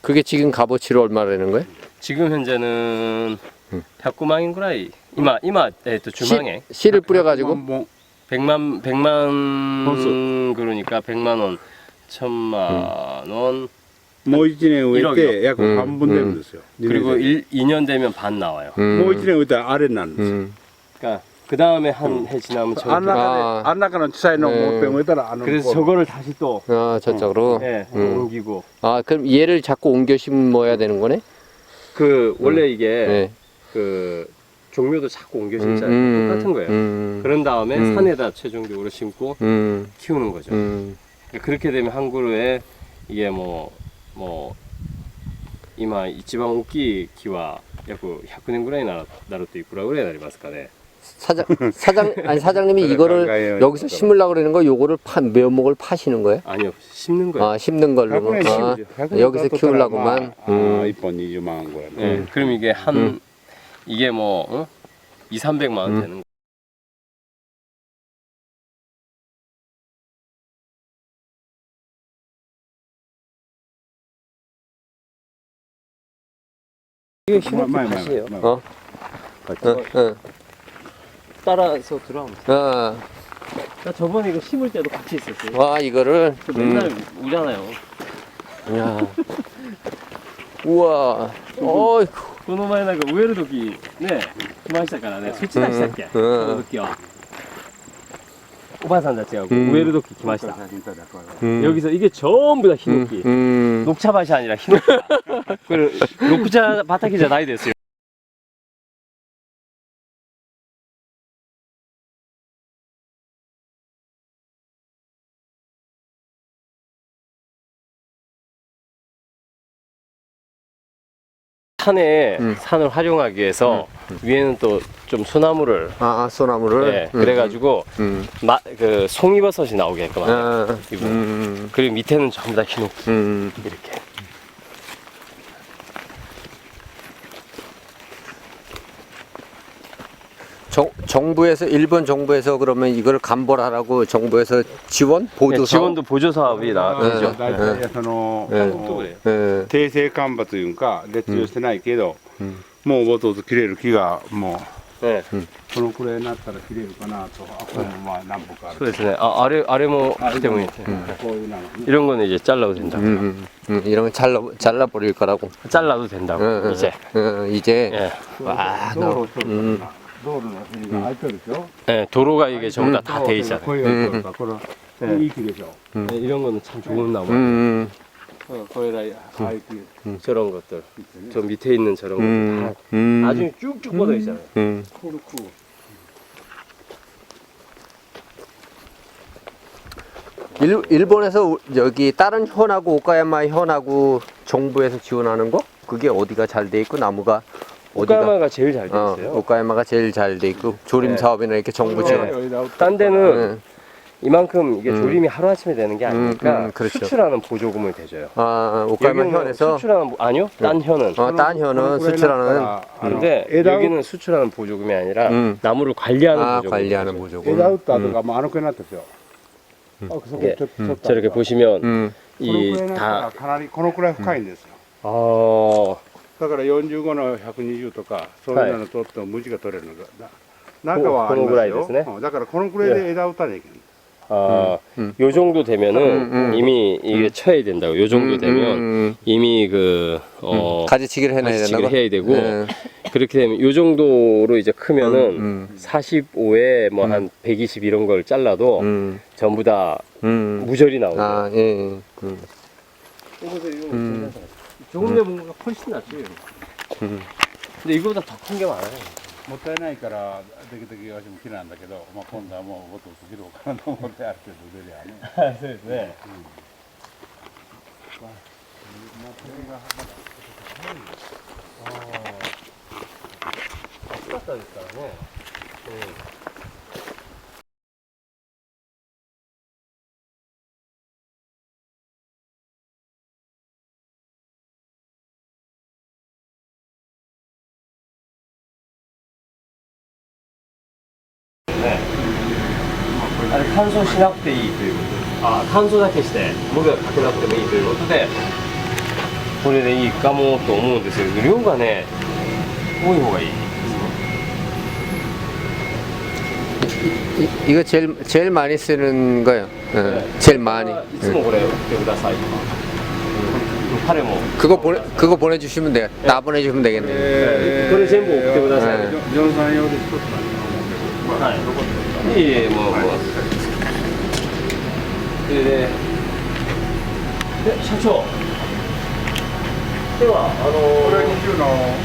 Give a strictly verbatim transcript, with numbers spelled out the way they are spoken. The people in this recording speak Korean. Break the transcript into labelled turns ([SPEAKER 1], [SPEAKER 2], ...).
[SPEAKER 1] 그게 지금 값어치로 얼마라는 거예요?
[SPEAKER 2] 지금 현재는
[SPEAKER 1] 음.
[SPEAKER 2] 백구만 원ぐらい 今今えっとじゅうまん円
[SPEAKER 1] 씨를 뿌려가지고
[SPEAKER 3] 뭐
[SPEAKER 2] 백만 백만
[SPEAKER 3] 本
[SPEAKER 2] 그러니까 백만 원, 천만 원
[SPEAKER 3] もう一年植えて
[SPEAKER 2] 일억이요.
[SPEAKER 3] 約半分出るんですよ。
[SPEAKER 2] 그리고
[SPEAKER 3] 일
[SPEAKER 2] 일, 이 년 되면 반 나와요.
[SPEAKER 3] もう一年植えたらあれになるんですよ。
[SPEAKER 1] 음.
[SPEAKER 2] 그러니까 그 다음에 한 해 지나면 저거
[SPEAKER 3] あん中で
[SPEAKER 1] 아
[SPEAKER 3] あん中の小さいのをもう一遍植えたらあの
[SPEAKER 2] 그래서 저거를 다시 또
[SPEAKER 1] 아 저쪽으로.
[SPEAKER 2] 예,
[SPEAKER 1] 음.
[SPEAKER 2] 옮기고
[SPEAKER 1] 아 그럼 얘를 자꾸 옮겨 심어야 되는 거네?
[SPEAKER 2] 그 원래 이게
[SPEAKER 1] 네.
[SPEAKER 2] 그 종묘도 자꾸 옮겨
[SPEAKER 1] 음,
[SPEAKER 2] 심잖아요.
[SPEAKER 1] 음,
[SPEAKER 2] 똑같은 거예요.
[SPEAKER 1] 음,
[SPEAKER 2] 그런 다음에
[SPEAKER 1] 음.
[SPEAKER 2] 산에다 최종적으로 심고
[SPEAKER 1] 음,
[SPEAKER 2] 키우는 거죠.
[SPEAKER 1] 음.
[SPEAKER 2] 그러니까 그렇게 되면 한 그루에 이게 뭐 뭐今一番大きい木は約ひゃくねんぐらいになるといくらぐらいになりますかね。
[SPEAKER 1] 사장 사장 아니 사장님이 이거를 여기서 심으려고 그러는 거 요거를 파 묘목을 파시는 거예요?
[SPEAKER 2] 아니요, 심는 거예요.
[SPEAKER 1] 아 심는 걸로. 아, 여기서 키우려고만.
[SPEAKER 3] あー一本二十万ぐらい。
[SPEAKER 2] 예, 그럼 이게 한
[SPEAKER 1] 음.
[SPEAKER 2] 이게 뭐 어? 이, 삼백만 원
[SPEAKER 1] 음.
[SPEAKER 2] 되는 거. 이게
[SPEAKER 3] 마- 마- 마-
[SPEAKER 2] 밭이에요.
[SPEAKER 3] 마-
[SPEAKER 1] 어? 응, 응.
[SPEAKER 2] 따라서 들어가면 돼.
[SPEAKER 1] 어.
[SPEAKER 2] 나 저번에 이거 심을 때도 같이 있었어요.
[SPEAKER 1] 와 이거를.
[SPEAKER 2] 그 맨날
[SPEAKER 1] 음.
[SPEAKER 2] 오잖아요.
[SPEAKER 1] 야. 우와. 어이구.
[SPEAKER 2] この前なんか植える時ね来ましたからね、そっちでしたっけ、
[SPEAKER 1] うん
[SPEAKER 2] その時はおばあさんたちがこう
[SPEAKER 1] うん
[SPEAKER 2] 植える時来ました、
[SPEAKER 1] 음.
[SPEAKER 2] 여기서 이게 전부 다ヒノキ、
[SPEAKER 1] 음.
[SPEAKER 2] 녹차밭이 아니라 히노키. 그 녹차 밭이じゃないですよ. 산에
[SPEAKER 1] 음.
[SPEAKER 2] 산을 활용하기 위해서
[SPEAKER 1] 음.
[SPEAKER 2] 위에는 또 좀 소나무를
[SPEAKER 1] 아 소나무를.
[SPEAKER 2] 예,
[SPEAKER 1] 음.
[SPEAKER 2] 그래가지고
[SPEAKER 1] 음.
[SPEAKER 2] 마, 그 송이버섯이 나오게끔 하는
[SPEAKER 1] 아.
[SPEAKER 2] 이거.
[SPEAKER 1] 음.
[SPEAKER 2] 그리고 밑에는 전부 다 히노키
[SPEAKER 1] 음.
[SPEAKER 2] 이렇게.
[SPEAKER 1] 정, 정부에서 일본 정부에서 그러면 이걸 감벌하라고 정부에서 지원 보조
[SPEAKER 2] 네, 지원도 보조 사업이 나오죠.
[SPEAKER 3] 大体その
[SPEAKER 1] 네.
[SPEAKER 2] 또 그래요.
[SPEAKER 1] 예.
[SPEAKER 3] 定性干ばというか列用してないけど、
[SPEAKER 1] うん
[SPEAKER 3] もうぼとぼと切れる木がも
[SPEAKER 2] 네.
[SPEAKER 3] うこのくらいになったら切れるかなと、あこれもまあ何本かある。
[SPEAKER 2] 그렇네. 아, 아래 아래 뭐
[SPEAKER 3] 아,
[SPEAKER 2] 때문에
[SPEAKER 3] 음. こういうのね
[SPEAKER 2] 이런 거는 이제 잘라도 된다고.
[SPEAKER 1] 음, 음, 음, 이런 건 잘라 잘라 버릴 거라고.
[SPEAKER 2] 잘라도 된다고.
[SPEAKER 1] 응, 응,
[SPEAKER 2] 이제.
[SPEAKER 1] 응, 이제.
[SPEAKER 2] 예.
[SPEAKER 1] 와,
[SPEAKER 3] 道
[SPEAKER 1] 나.
[SPEAKER 3] 路を取る
[SPEAKER 1] 음.
[SPEAKER 3] から道路の辺が空いてるでしょ。
[SPEAKER 2] 예, 도로가 이게 전부 다 다 돼 있잖아요.
[SPEAKER 3] こういうのとかこれ
[SPEAKER 2] うん
[SPEAKER 3] いい木でしょ。
[SPEAKER 1] 음.
[SPEAKER 2] 예, 이런 거는 참 좋은 나무.
[SPEAKER 1] 음,
[SPEAKER 3] 어, これらああいう木
[SPEAKER 2] 저런 것들.
[SPEAKER 3] 切ってね。
[SPEAKER 2] 저 밑에 있는 저런
[SPEAKER 1] 음,
[SPEAKER 2] 것들 다
[SPEAKER 1] 음,
[SPEAKER 2] 나중에 쭉쭉 뻗어 있잖아요.
[SPEAKER 1] 음.
[SPEAKER 3] コルク。
[SPEAKER 1] 일, 일본에서 여기 다른 현하고 오카야마 현하고 정부에서 지원하는 거? 그게 어디가 잘 돼 있고 나무가 어디가?
[SPEAKER 2] 오카야마가 제일 잘 돼
[SPEAKER 1] 어,
[SPEAKER 2] 있어요.
[SPEAKER 1] 오카야마가 제일 잘 돼 있고 조림
[SPEAKER 2] 네.
[SPEAKER 1] 사업이나 이렇게 정부
[SPEAKER 2] 네.
[SPEAKER 1] 지원.
[SPEAKER 2] 딴 데는
[SPEAKER 1] 응.
[SPEAKER 2] 이만큼 이게
[SPEAKER 1] 음.
[SPEAKER 2] 조림이 하루아침에 되는 게 아니니까
[SPEAKER 1] 음, 음, 그렇죠.
[SPEAKER 2] 수출하는 보조금을 대줘요.
[SPEAKER 1] 아, 오카야마
[SPEAKER 2] 여기는
[SPEAKER 1] 현에서
[SPEAKER 2] 수출하는 보- 아니요, 딴 현은.
[SPEAKER 1] 어, 딴 현은 수출하는
[SPEAKER 2] 근데
[SPEAKER 3] 枝を
[SPEAKER 2] 여기는 수출하는 보조금이 아니라
[SPEAKER 1] 음.
[SPEAKER 2] 나무를 관리하는
[SPEAKER 1] 아,
[SPEAKER 2] 보조금.
[SPEAKER 1] 관리하는 보조금.
[SPEAKER 3] 枝打った後がもうあのくらいになったんですよ。あそこちょっとちょっと
[SPEAKER 2] 저렇게 보시면
[SPEAKER 1] 음.
[SPEAKER 3] このく
[SPEAKER 2] 이
[SPEAKER 3] らいになったら
[SPEAKER 2] 다
[SPEAKER 3] かなりこのくらい深いんですよ。
[SPEAKER 2] 어,
[SPEAKER 3] だからよんじゅうごのひゃくにじゅうとかそういうの取っても無地が取れるのがな中はあります
[SPEAKER 2] このぐらいですね
[SPEAKER 3] よ。うんだからこのくらいで枝打たなきゃいけない。
[SPEAKER 2] 아,
[SPEAKER 1] 음.
[SPEAKER 2] 요 정도 되면은
[SPEAKER 1] 음, 음.
[SPEAKER 2] 이미 이게 쳐야 된다고. 요 정도
[SPEAKER 1] 음,
[SPEAKER 2] 되면
[SPEAKER 1] 음,
[SPEAKER 2] 이미 그 어,
[SPEAKER 1] 가지치기를 해놔야
[SPEAKER 2] 가지치기를
[SPEAKER 1] 된다고?
[SPEAKER 2] 해야 되고
[SPEAKER 1] 네.
[SPEAKER 2] 그렇게 되면 요 정도로 이제 크면은
[SPEAKER 1] 음, 음.
[SPEAKER 2] 사십오에 뭐 한 백이십 이런 걸 잘라도
[SPEAKER 1] 음,
[SPEAKER 2] 전부 다
[SPEAKER 1] 음.
[SPEAKER 2] 무절이 나오고.
[SPEAKER 1] 아, 예, 예. 음.
[SPEAKER 2] 음. 조금 내본 거가 훨씬 낫죠.
[SPEAKER 1] 음.
[SPEAKER 2] 근데 이거보다 더 큰 게 많아요.
[SPEAKER 3] もったいないからできるだけ私も木なんだけど、まあ、今度はもうもっと切ろうかなと思ってある程度出りゃね。
[SPEAKER 2] そうですね。暑かったですからね。ね、あれ乾燥しなくていいということで、あ、乾燥だけして無がかけなくてもいいということで、 これでいいかもと思うんですけど、量がね多い方がいい。
[SPEAKER 1] 이, 이거 제일 제일 많이 쓰는 거예요. 어,
[SPEAKER 2] 네.
[SPEAKER 1] 제일 많이.
[SPEAKER 2] いつもこれ送ってくださいとか。彼も
[SPEAKER 1] 그거 보내 그거 보내주시면 돼요. 나 보내주시면 되겠네.
[SPEAKER 2] これ全部送ってください。
[SPEAKER 1] はい
[SPEAKER 3] ジョンさん用で一つなんだ
[SPEAKER 2] はい。いえいえ、もう、もう。で、で、で社長。では、あの
[SPEAKER 3] これはにじゅうの